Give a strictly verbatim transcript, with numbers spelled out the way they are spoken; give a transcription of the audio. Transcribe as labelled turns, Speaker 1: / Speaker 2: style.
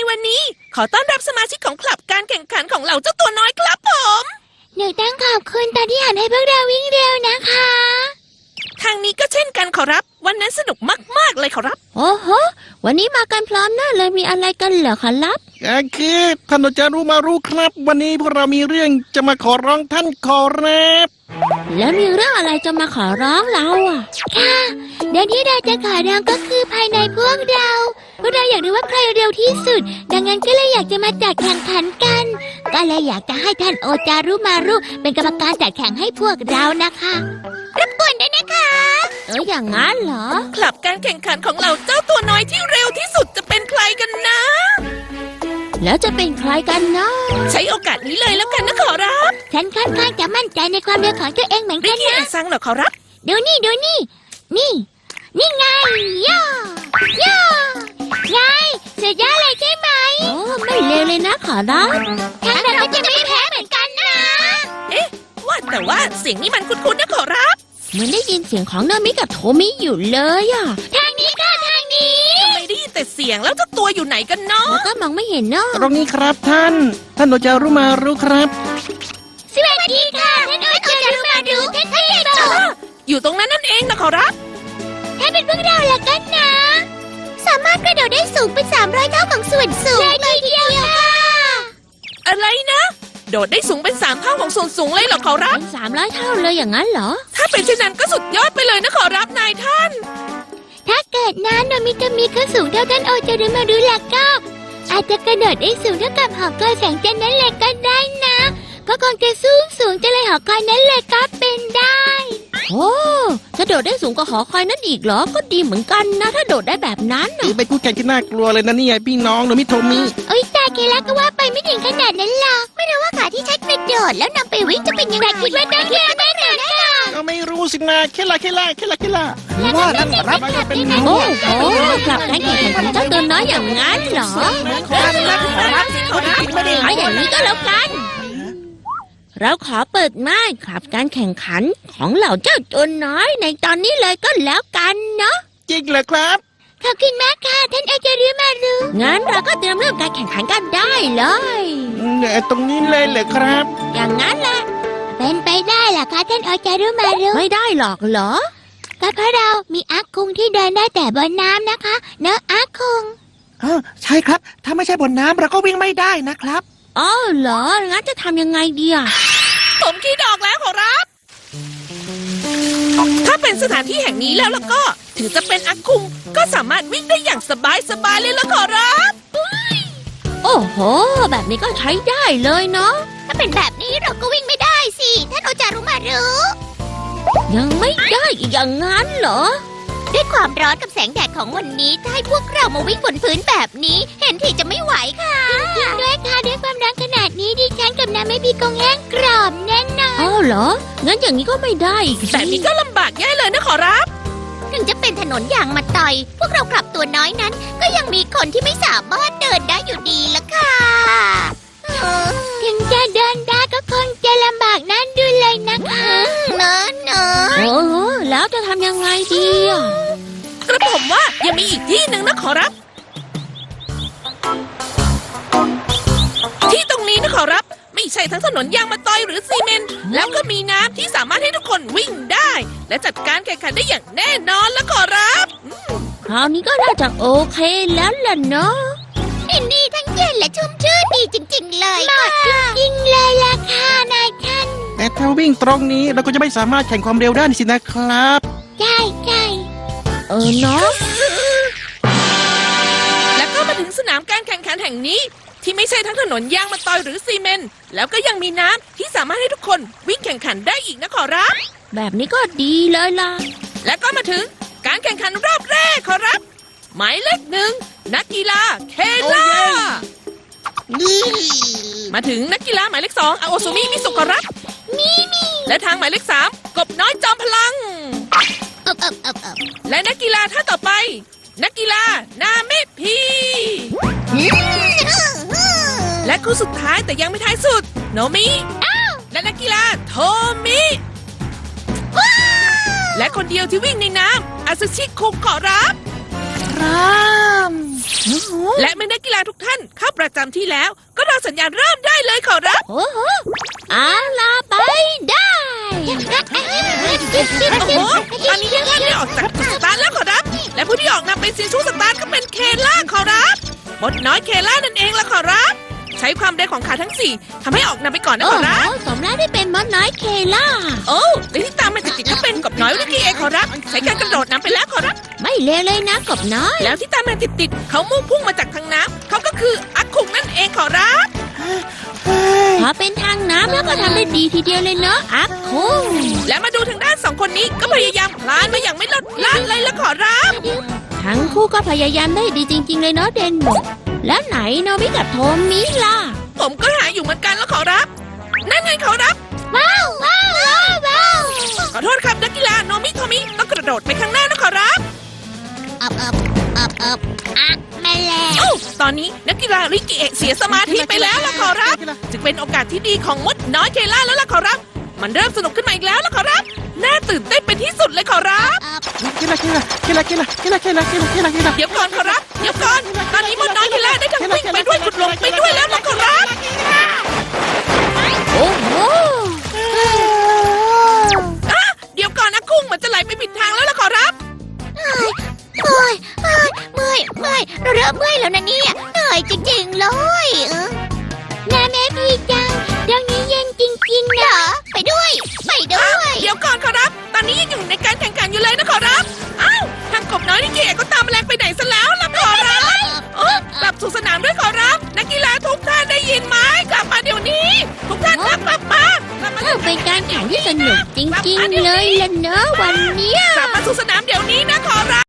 Speaker 1: วันนี้ขอต้อนรับสมาชิกของคลับการแข่งขันของเหล่าเจ้าตัวน้อยครับผม
Speaker 2: หนูต้องขอบคุณตาที่หันให้พวกเราวิ่งเร็วนะคะ
Speaker 1: ทางนี้ก็เช่นกันขอรับวันนั้นสนุกมากๆเลยขอรับ
Speaker 2: โอ้โหวันนี้มากันพร้อมหน้าเลยมีอะไรกันเหรอขอรับ
Speaker 3: ก็คือท่านจะรู้มารู้ครับวันนี้พวกเรามีเรื่องจะมาขอร้องท่านขอรับ
Speaker 2: แล้วมีเรื่องอะไรจะมาขอร้องเราอ่ะค่ะเดี๋ยวที่เราจะขอร้องก็คือภายในพวกเราพวกเราอยากรู้ว่าใครเร็วที่สุดดังนั้นก็เลยอยากจะมาจัดแข่งขันกันก็เลยอยากจะให้ท่านโอจารุมารุเป็นกรรมการจัดแข่งให้พวกเรานะคะรบกวนด้วยนะคะเอออย่างงั้นเหรอ
Speaker 1: คลับการแข่งขันของเราเจ้าตัวน้อยที่เร็วที่สุดจะเป็นใครกันนะ
Speaker 2: แล้วจะเป็นใครกันเนาะ
Speaker 1: ใช้โอกาสนี้เลยแล้วกันนะขอรับ
Speaker 2: ฉันค่อนข้างจะมั่นใจในความเร็วของตัวเองเหมือนกันนะ
Speaker 1: ไม่คิดซังหรอกขอรับ
Speaker 2: ดูนี่ดูนี่นี่นี่ไงย่อย่อไงสุดยอดเลยใช่ไหมโอ้ไม่เลวเลยนะขอรับทางเราก็จะไม่แพ้เหมือนกันนะ
Speaker 1: เอ๊ะว่าแต่ว่าเสียงนี้มันคุ้นๆนะขอรับ
Speaker 2: เหมือนได้ยินเสียงของนามิกับโทมิอยู่เลยอ่ะทางนี้ค่ะทางนี้
Speaker 1: ทำไมได้ยินแต่เสียงแล้วเจ้าตัวอยู่ไหนกันเนาะ
Speaker 2: แล้วก็มองไม่เห็นเนาะ
Speaker 3: ตรงนี้ครับท่านท่านโอจารุมารุครับ
Speaker 2: สวัสดีค่ะท่านโอจารุมารุท่านพี่โต
Speaker 1: อยู่ตรงนั้นนั่นเองนะขอรับ
Speaker 2: ถ้าเป็นพวกเราละกันนะสามารถกระโดดได้สูงเป็นสามร้อยเท่าของส่วนสูงเลยทีเดียวค่ะ
Speaker 1: อะไรนะโดดได้สูงเป็นสามเท่าของส่วนสูงเลยเหรอขอรับ
Speaker 2: เป็นสามร้อยเท่าเลยอย่างนั้นเหรอ
Speaker 1: ถ้าเป็นเช่นนั้นก็สุดยอดไปเลยนะขอรับนายท่าน
Speaker 2: ถ้าเกิดนั้นโนมิจะมีขึ้นสูงเท่าท่านโอจารุมารุล่ะก็อาจจะกระโดดได้สูงเท่ากับหอคอยแสงจันทร์นั้นเลยก็ได้นะก็คงจะสูงสูงจะเลยหอคอยนั้นเลยก็เป็นได้โอ้จะโดดได้สูงกว่าหอคอยนั้นอีกเหรอก็ดีเหมือนกันนะถ้าโดดได้แบบนั้น
Speaker 3: น่ะเป็นคู่แข่งที่น่ากลัวเลยนะนี่ไงพี่น้องโนมิโทมิ
Speaker 2: โอ้ยตาเคล่าก็ว่าไปไม่ถึงขนาดนั้นหรอกไม่รู้ว่าขาที่ใช้กระโดดแล้วนำไปวิ่งจะเป็นยังไงคิดว่าได้แค่ไหนนะ
Speaker 3: ก็ไม่รู้สินะเคล่าเคล่าเคล่าเคล่า
Speaker 2: ว่านั่นรับเป็นโอ้โหกลับการแข่งขันของเจ้าตัวน้อยอย่างนั้นเหรอไม่ได้เอาอย่างนี้ก็แล้วกันเราขอเปิดม่านขับการแข่งขันของเหล่าเจ้าตัวน้อยในตอนนี้เลยก็แล้วกันเนาะ
Speaker 3: จริงเหรอครับ
Speaker 2: ขอบคุณมากค่ะท่านโอจารุมารุงั้นเราก็เตรียมเริ่มการแข่งขันกันได้เลย
Speaker 3: เนี่ยตรงนี้เลยเหรอครับ
Speaker 2: อย่างนั้นแหละเป็นไปได้เหรอคะท่านโอจารุมารุไม่ได้หรอกเหรอก็เพราะเรามีอาคุงที่เดินได้แต่บนน้ำนะคะเนอะอาคุง
Speaker 3: อ๋อใช่ครับถ้าไม่ใช่บนน้ำเราก็วิ่งไม่ได้นะครับ
Speaker 2: อ๋อเหรองั้นจะทำยังไงดีอ่ะ
Speaker 1: ผมคิดออกแล้วขอรับถ้าเป็นสถานที่แห่งนี้แล้วแล้วก็ถึงจะเป็นอาคุงก็สามารถวิ่งได้อย่างสบายสบายเลยละขอรับ
Speaker 2: โอ้โหแบบนี้ก็ใช้ได้เลยเนาะถ้าเป็นแบบนี้เราก็วิ่งไม่ได้สิท่านโอจารุมารุยังไม่ได้อีกอย่างงั้นเหรอด้วยความร้อนกับแสงแดดของวันนี้ถ้าให้พวกเรามาวิ่งบนพื้นแบบนี้เห็นทีจะไม่ไหวค่ะจริงด้วยค่ะด้วยความร้อนขนาดนี้ดิฉันกับน้ำไม่พี่คงแห้งกรอบแน่นอนอ้าวเหรองั้นอย่างนี้ก็ไม่ได้อีก
Speaker 1: แต่นี้ก็ลำบากแย่เลยนะขอรับ
Speaker 2: ถึงจะเป็นถนนยางมาต่อยพวกเรากลับตัวน้อยนั้นก็ยังมีคนที่ไม่สามารถเดินได้อยู่ดีละค่ะถึงจะเดินได้ก็คงจะลำบากนั่นดูเลยนะคะเนอะเนอะโอ้แล้วจะทำยังไงดีอ่ะ
Speaker 1: กระผมว่ายังมีอีกที่หนึ่งนะขอรับที่ตรงนี้นะขอรับไม่ใช่ทั้งถนนยางมะตอยหรือซีเมนต์แล้วก็มีน้ำที่สามารถให้ทุกคนวิ่งได้และจัดการแข่งขันได้อย่างแน่นอนแล้วขอรับ
Speaker 2: คราวนี้ก็น่าจะโอเคแล้วล่ะเนาะดินดีทั้งเย็นและชุ่มชื่นดีจริงๆเลยเหมาะจริงๆเลยล่ะค่ะนายท่าน
Speaker 3: แต่ถ้าวิ่งตรงนี้เราก็จะไม่สามารถแข่งความเร็วได้สินะครับ
Speaker 2: ใช่ใช่เออเนาะ
Speaker 1: แล้วก็มาถึงสนามการแข่งขันแห่งนี้ที่ไม่ใช่ทั้งถนนยางมะตอยหรือซีเมนต์แล้วก็ยังมีน้ำที่สามารถให้ทุกคนวิ่งแข่งขันได้อีกนะขอรับ
Speaker 2: แบบนี้ก็ดีเลยล่ะ
Speaker 1: แล้วก็มาถึงการแข่งขันรอบแรกขอรับหมายเลขหนึ่งนักกีฬาเคล่ามาถึงนักกีฬาหมายเลขสองอาโอซุมิมิสุขอรับ
Speaker 2: มีมี
Speaker 1: และทางหมายเลขสามกบน้อยจอมพลังและนักกีฬาท่านต่อไปนักกีฬานาเมพีและคู่สุดท้ายแต่ยังไม่ท้ายสุดโนมิและนักกีฬาโทมิและคนเดียวที่วิ่งในน้ำอาซึชิคุขอรับ
Speaker 2: พร้อม
Speaker 1: และเมื่อนักกีฬาทุกท่านเข้าประจำที่แล้ว ก็รอสัญญาณเริ่มได้เลยขอรับ
Speaker 2: โอ้โหเอาล่ะไปได้
Speaker 1: โอ้โหตอนนี้ทุกท่านได้ออกจากจุดสตาร์ทแล้วขอรับ และผู้ที่ออกนำเป็นซีชูสตาร์ทก็เป็นเคล่าขอรับมดน้อยเคล่านั่นเองละขอรับ ใช้ความเร็วของขาทั้งสี่ทำให้ออกนำไปก่อนนะ
Speaker 2: โอ้
Speaker 1: ขอ
Speaker 2: โห
Speaker 1: รับ
Speaker 2: สมแล้วที่เป็นมดน้อยเคล่า
Speaker 1: โอ้และที่ตามมาติดๆก็เป็นกบน้อยวิกกี้เองขอรับ ใช้การกระโดดนำไปแล้วขอรับ
Speaker 2: ไม่เลวเลยนะกบน้อย
Speaker 1: แล้วที่ตามมาติดๆเขามุ่งพุ่งมาจากทางน้ำเขาก็คืออักคุงนั่นเองขอรับ
Speaker 2: พอเป็นทางน้ำแล้วก็ทำได้ดีทีเดียวเลยเนาะอัพคุง
Speaker 1: และมาดูทางด้านสองคนนี้ก็พยายามคลานมาอย่างไม่ลดละเลยละขอรับ
Speaker 2: ทั้งคู่ก็พยายามได้ดีจริง ๆ เลยเนาะเดนโมแล้วไหนโนบิกับโทมิล่ะ
Speaker 1: ผมก็หาอยู่เหมือนกันแล้วขอรับ นั่นไงขอรับ
Speaker 2: ว้าวว้าวว้าวว้าว
Speaker 1: ขอโทษครับนักกีฬาโนมิโทมิต้องกระโดดไปข้างหน้านะขอรับ
Speaker 2: อับอับอับอับอ่ะแม่แล้ว
Speaker 1: โอ้ตอนนี้นักกีฬาริกิเอะเสียสมาธิไปแล้วละขอรับ จึงเป็นโอกาสที่ดีของมดน้อยเคล่าแล้วล่ะขอรับ มันเริ่มสนุกขึ้นมาอีกแล้วละขอรับ น่าตื่นเต้นเป็นที่สุดเลยขอรับ
Speaker 3: เคล่าเคล่าเคล่าเคล่าเคล่าเคล่าเคล่าเคล่าเคล่า
Speaker 1: เดี๋ยวก่อนขอรับ เดี๋ยวก่อน ตอนนี้มดน้อยเคล่าได้ทั้งวิ่งไปด้วยขุดลงไปด้วยแล้วละขอรับ
Speaker 2: โอ้โห
Speaker 1: อ่ะเดี๋ยวก่อนนะกุ้งมันจะไหลไปผิดทางแล้วละขอรับ
Speaker 2: เมื่อยเมื่อยเมื่อยเมื่อยเราเริ่มเมื่อยแล้วนะเนี่ยเหนื่อยจริงๆเลยเออน้าแม่พี่จังเรื่องนี้เย็นจริงๆนะไปด้วย ไปด้วย
Speaker 1: เดี๋ยวก่อนขอรับ ตอนนี้ยังอยู่ในการแข่งขันอยู่เลยนะขอรับ อ้าว ทางกบน้อยนี่เก๋ก็ตามแมลงไปไหนซะแล้วล่ะขอรับเออกลับสู่สนามด้วยขอรับ นักกีฬาทุกท่านได้ยินไหมกลับมาเดี๋ยวนี้ ทุกท่านครับกลับมากลับมา
Speaker 2: ถ้าเป็นการแข่งที่สนุกจริงๆเลยล่ะเนอะวันเนี้ย
Speaker 1: กลับมาสู่สนามเดี๋ยวนี้นะขอรับ